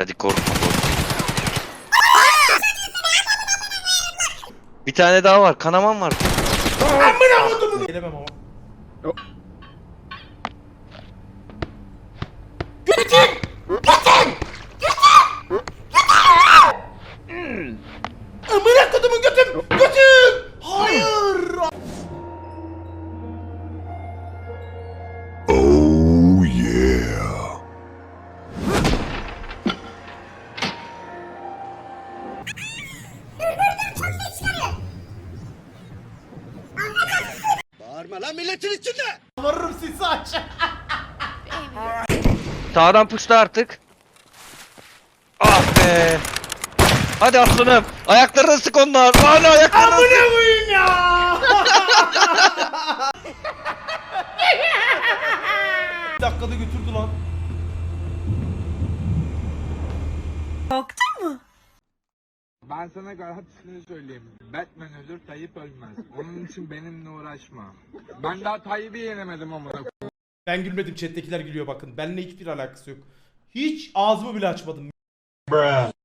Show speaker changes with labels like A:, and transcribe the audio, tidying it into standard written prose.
A: Hadi korkma korkma. Bir tane daha var. Kanaman var.
B: Amına kodumu. Gelemem ama. Götür! Götür! Amına kodumu götür! Götür! Hayır!
C: Oh yeah.
D: Bağırma lan milletin içinde.
B: Varırım sizi aç.
A: Sağdan puşta artık. Ah be. Hadi aslanım. Ayaklarını sık onlar. Hala ayaklarını sık.
B: Amına koyayım ya! Bir dakikada götürdü lan.
E: Ben sana garantisini söyleyeyim. Batman ölür, Tayyip ölmez. Onun için benimle uğraşma. Ben daha Tayyip'i yenemedim ama.
B: Ben gülmedim, chat'tekiler gülüyor bakın. Benimle hiçbir alakası yok. Hiç ağzımı bile açmadım.